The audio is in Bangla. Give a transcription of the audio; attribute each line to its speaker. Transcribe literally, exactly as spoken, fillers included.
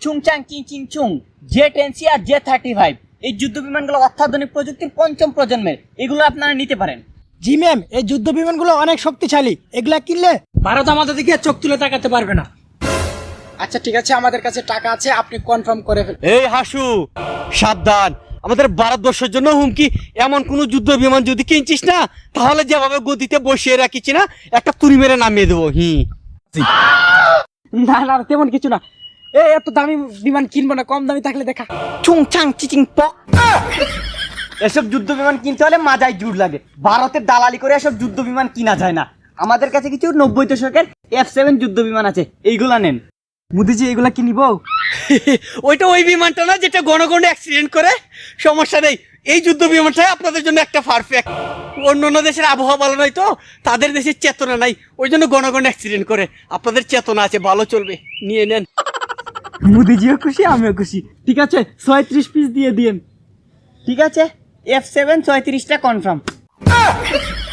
Speaker 1: চুংচাং চিং চিং চুং J ten C R J thirty five এই যুদ্ধ বিমানগুলো অত্যাধুনিক প্রযুক্তির পঞ্চম প্রজন্মের, এগুলো আপনারা নিতে পারেন।
Speaker 2: জি ম্যাম, এই যুদ্ধ বিমানগুলো অনেক শক্তিশালী, এগুলা কিনলে ভারত আমাদের দিকে চোখ তুলে তাকাতে পারবে না। আচ্ছা ঠিক আছে, আমাদের কাছে টাকা আছে, আপনি কনফার্ম করে ফেলুন।
Speaker 3: এই হাসু, সাবধান, আমাদের ভারতবর্ষের জন্য হুমকি। এমন কোন যুদ্ধ বিমান যদি কিনছিস না, তাহলে যেভাবে গদিতে বসিয়ে রাখিস না, একটা তুড়ি মেরে নামিয়ে দেবো। হি
Speaker 2: না না, তেমন কিছু না। এই এত দামি বিমান কিনবো না, কম দামি থাকলে দেখা।
Speaker 1: চুংচাং চিচিং পক। এসব যুদ্ধ বিমান কিনতে হলে মাজায় জুড় লাগে। ভারতের দালালি করে এসব যুদ্ধ বিমান কিনা যায় না। আমাদের কাছে কিছু নব্বই দশকের এফ সেভেন যুদ্ধ বিমান আছে, এইগুলা নেন।
Speaker 2: মোদিজি, এগুলা কি নিব?
Speaker 3: ওইটা ওই বিমানটা না যেটা ঘন ঘন অ্যাক্সিডেন্ট করে? সমস্যা নেই, এই যুদ্ধ বিমানটাই আপনাদের জন্য একটা পারফেক্ট। অন্য অন্য দেশের আবহাওয়া ভালো নয় তো, তাদের দেশের চেতনা নাই, ওই জন্য ঘন ঘন অ্যাক্সিডেন্ট করে। আপনাদের চেতনা আছে, ভালো চলবে, নিয়ে নেন।
Speaker 2: মোদিজিও খুশি, আমিও খুশি। ঠিক আছে, ছয়ত্রিশ পিস দিয়ে দিন।
Speaker 1: ঠিক আছে, এফ সেভেন ছয়ত্রিশটা কনফার্ম।